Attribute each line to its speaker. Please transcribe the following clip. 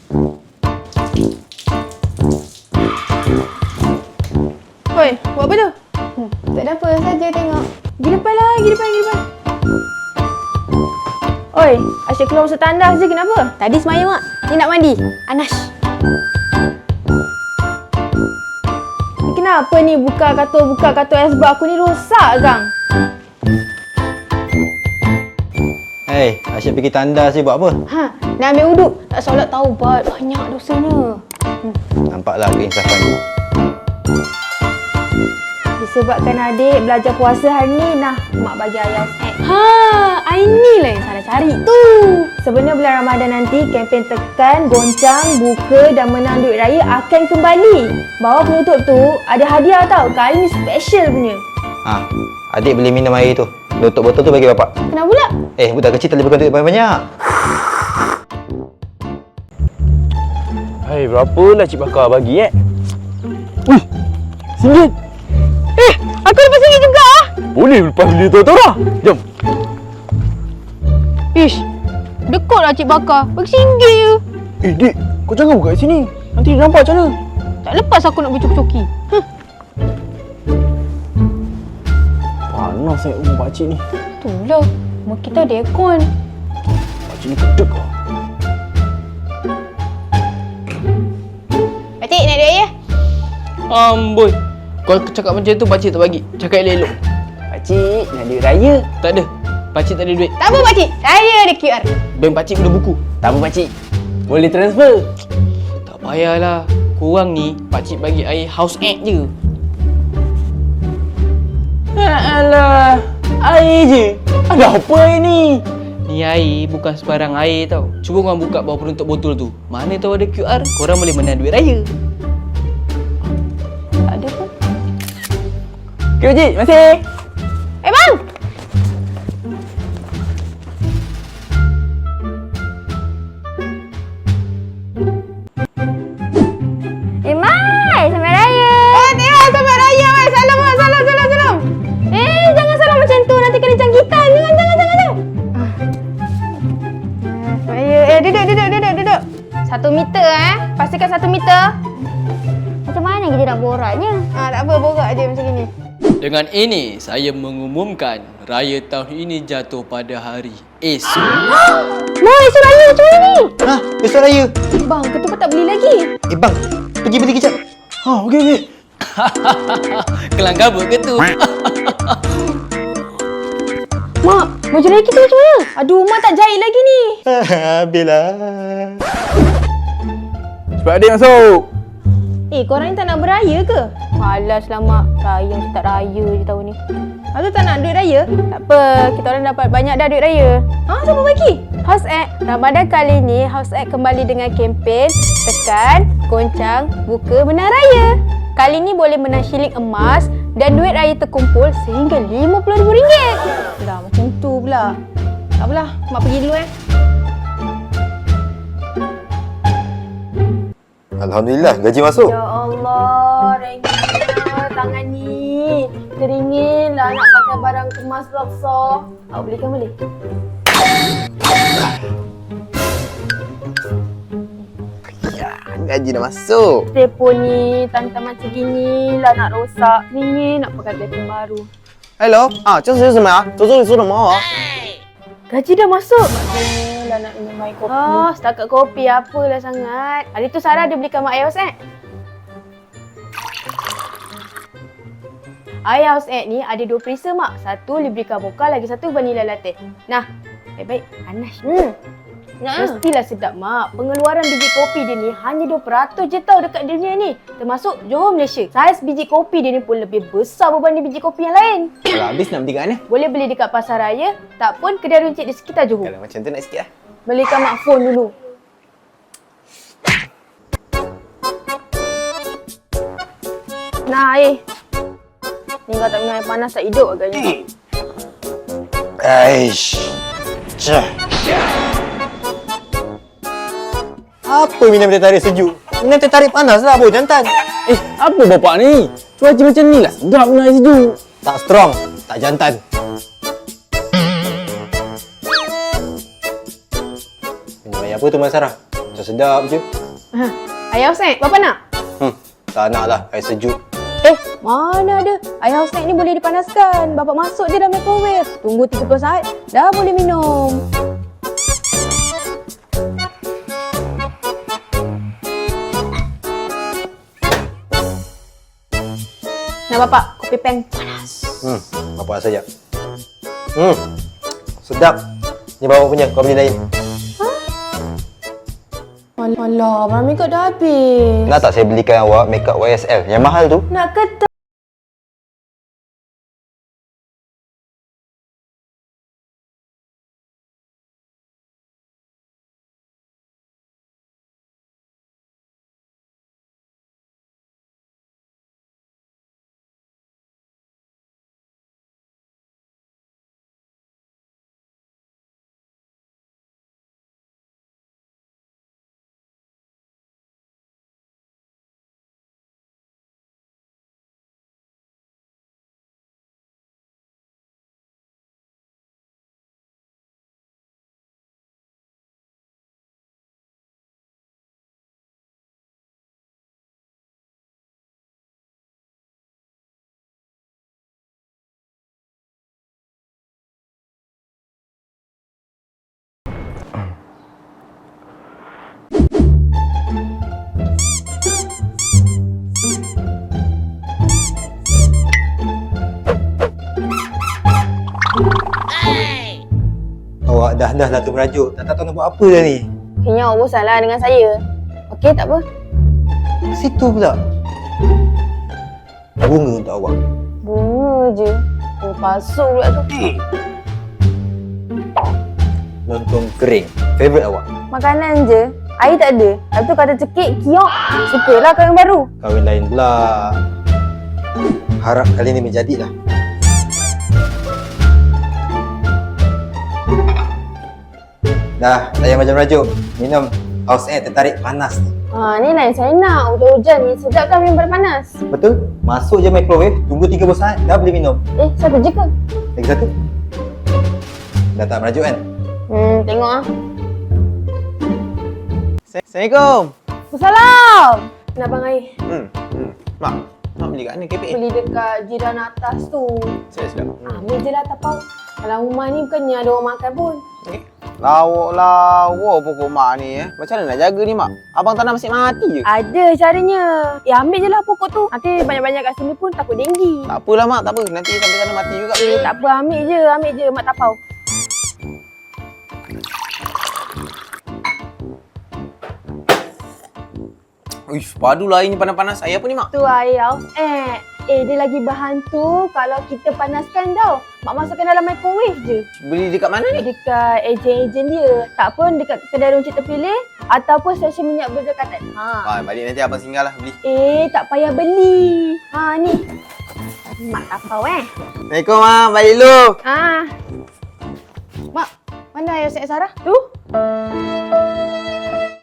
Speaker 1: Oi, buat apa tu?
Speaker 2: Tak ada apa saja tengok.
Speaker 1: Pergi depan lah, pergi depan. Oi, asyik keluar masa tandas je, kenapa?
Speaker 2: Tadi semaya mak. Ni nak mandi. Anas.
Speaker 1: Ni kenapa ni buka kartu sebab aku ni rosak kang?
Speaker 3: Hei, asyik pergi tandas je buat apa?
Speaker 2: Ha, nak ambil wuduk. Tak solat taubat. Banyak dosanya.
Speaker 3: Nampaklah keinsafan.
Speaker 1: Disebabkan adik belajar puasa hari ni, mak bagi ayah snack.
Speaker 2: Ha, inilah yang salah cari tu.
Speaker 1: Sebenarnya bulan Ramadan nanti, kempen tekan, goncang, buka dan menang duit raya akan kembali. Bawah penutup tu ada hadiah tau. Kali ni special punya.
Speaker 3: Adik boleh minum air tu. Tutup botol tu bagi bapak.
Speaker 2: Kenapa pula?
Speaker 3: Budak kecil tak boleh pegang duit banyak-banyak.
Speaker 4: Hai, berapalah Cik Bakar bagi Wih, RM1.
Speaker 2: Aku lepas sini juga.
Speaker 4: Boleh lepas beli tu lah. Jom.
Speaker 2: Ish, dekut lah Cik Bakar. Bagi RM1 je.
Speaker 4: Dik, kau jangan buka kat sini. Nanti dia nampak macam mana?
Speaker 2: Tak lepas aku nak bercoki-coki.
Speaker 4: Panas rumah pakcik ni.
Speaker 2: Itulah. Rumah kita ada aircon.
Speaker 4: Pakcik ni kedek lah.
Speaker 2: Pakcik, nak duit ya?
Speaker 5: Amboi. Kau cakap macam tu pakcik tak bagi. Cakap elok-elok.
Speaker 4: Pakcik, nak duit raya.
Speaker 5: Tak ada. Pakcik tak ada duit.
Speaker 2: Tak apa pakcik. Saya ada QR.
Speaker 5: Bank pakcik ada buku.
Speaker 4: Tak apa pakcik. Boleh transfer.
Speaker 5: Tak payahlah. Korang ni pakcik bagi air house egg je.
Speaker 4: Alah, air je. Ada apa air ni?
Speaker 5: Ni air bukan sebarang air tau. Cuba korang buka bawah penutup botol tu. Mana tahu ada QR. Korang boleh menang duit raya.
Speaker 2: Tak ada pun.
Speaker 4: Okay pakcik, masih.
Speaker 2: Bang! Mai, selamat raya.
Speaker 1: Selamat raya, Mai. Salam.
Speaker 2: Jangan salam macam tu. Nanti kena jangkitan. Jangan.
Speaker 1: Raya. Duduk. 1 meter Pastikan 1 meter.
Speaker 2: Macam mana kita nak boraknya?
Speaker 1: Tak apa, borak je macam ni.
Speaker 5: Dengan ini, saya mengumumkan raya tahun ini jatuh pada hari esok.
Speaker 2: Mai, esok raya macam mana ni?
Speaker 3: Besok raya.
Speaker 1: Bang, ketupat tak beli lagi.
Speaker 3: Bang, pergi beli kejap.
Speaker 4: Okey.
Speaker 5: Kelang kabut ke tu?
Speaker 2: Mak, baju raya kita macam mana?
Speaker 1: Aduh, Mak tak jahit lagi ni.
Speaker 3: Habislah.
Speaker 4: Cepat adik masuk.
Speaker 1: Korang ni tak nak beraya ke?
Speaker 2: Malaslah Mak. Raya macam tak raya je tahun ni.
Speaker 1: Lepas tu tak nak duit raya?
Speaker 2: Tak apa, kita orang dapat banyak dah duit raya.
Speaker 1: Siapa bagi?
Speaker 2: House Egg. Ramadan kali ni, House Egg kembali dengan kempen tekan, goncang, buka, menang raya. Kali ni boleh menang shilling emas dan duit raya terkumpul sehingga RM50,000.
Speaker 1: Dah, macam tu pula. Tak apalah, Mak pergi dulu
Speaker 3: Alhamdulillah, gaji masuk.
Speaker 1: Ya Allah, Rengga, tangan ni teringin lah nak pakai barang kemas laksa. Awak belikan boleh?
Speaker 3: Gaji dah masuk.
Speaker 1: Telefon ni, tantan macam gini lah nak rosak. Teringin nak pakai telefon baru.
Speaker 3: Hello，这是什么呀？这是什么？
Speaker 1: Gaji dah masuk. Maknanya lah nak minum air kopi. Setakat kopi apalah sangat. Hari tu Sarah dia belikan Mak Air House Egg. Air House Egg ni ada 2 perisa Mak. Satu Librica Mocha, lagi satu Vanilla Latte. Nah, baik-baik. Panas. Mestilah sedap Mak. Pengeluaran biji kopi dia ni hanya 2% je tau dekat dunia ni. Termasuk Johor Malaysia. Saiz biji kopi dia ni pun lebih besar berbanding biji kopi yang lain.
Speaker 3: Kalau habis nak beli kat mana?
Speaker 1: Boleh beli dekat pasar raya, tak pun kedai runcit di sekitar Johor.
Speaker 3: Kalau macam tu nak sikit lah.
Speaker 1: Belikan Mak phone dulu. Nah, ni kau tak minum air panas tak hidup agaknya.
Speaker 3: Aish. Cah. Apa minum teh tarik sejuk? Minum teh tarik panas lah, boh jantan.
Speaker 4: Apa bapak ni? Cuaca macam ni lah. Sedap minum air sejuk.
Speaker 3: Tak strong, tak jantan. Minum air apa tu, Mak Sarah? Macam sedap je.
Speaker 2: Ayah Hussein, Bapa nak?
Speaker 3: Tak nak lah, air sejuk.
Speaker 2: Mana ada? Ayah Hussein ni boleh dipanaskan. Bapak masuk je dalam microwave. Tunggu 30 saat, dah boleh minum. Nah Bapak, kopi peng panas.
Speaker 3: Bapak rasa sekejap. Sedap. Ni bawa punya, kau beli lain.
Speaker 1: Alah, barang makeup dah habis.
Speaker 3: Nak tak saya belikan awak makeup YSL yang mahal tu?
Speaker 1: Nak ke tak?
Speaker 3: Awak dah lah tu merajuk. Tak tahu nak buat apa dah ni.
Speaker 2: Kayaknya awak bosan lah dengan saya. Okey, tak apa.
Speaker 3: Situ pula. Bunga untuk awak.
Speaker 2: Bunga je. Palsu pula tu.
Speaker 3: Lontong kering. Favourite awak.
Speaker 2: Makanan je. Air tak ada. Lepas tu kata cekik, kiok. Sukalah kau yang baru.
Speaker 3: Kahwin lain pula. Harap kali ni menjadilah. Dah, tak payah macam merajuk. Minum House Air tertarik panas ni.
Speaker 2: Ni lain saya nak. Hujan-hujan ni sedap kan minum panas.
Speaker 3: Betul? Masuk je microwave, tunggu 30 saat, dah boleh minum.
Speaker 2: Satu je ke?
Speaker 3: Lagi satu. Dah tak merajuk kan?
Speaker 2: Tengok ah.
Speaker 4: Assalamualaikum.
Speaker 2: Salam.
Speaker 1: Nak bang air?
Speaker 4: Mak, mak beli kat mana kepek?
Speaker 1: Beli dekat jiran atas tu.
Speaker 4: Sedap.
Speaker 1: Ambil je lah tapau. Dalam rumah ni bukannya ada orang makan pun.
Speaker 4: Lawak pokok mak ni Macam mana nak jaga ni mak? Abang tanam masih mati je.
Speaker 1: Ada caranya. Ambil je lah pokok tu. Nanti banyak-banyak kat sini pun takut denggi.
Speaker 4: Tak apalah mak, tak apa. Nanti sampai sana mati juga.
Speaker 1: Tak apa, ambil je mak tapau.
Speaker 4: Uish, padulah air ni panas-panas. Air apa ni mak?
Speaker 1: Tu air House Air. Dia lagi bahan tu kalau kita panaskan tau. Mak masukkan dalam microwave je.
Speaker 4: Beli dekat mana ni?
Speaker 1: Dekat ejen-ejen dia. Tak pun dekat kedai runcit terpilih ataupun stesen minyak berdekatan.
Speaker 4: Balik nanti abang singgah lah beli.
Speaker 1: Tak payah beli. Ni. Mak tapau
Speaker 4: Assalamualaikum mak, balik dulu.
Speaker 1: Mak, mana ayah Syed Sarah? Tu.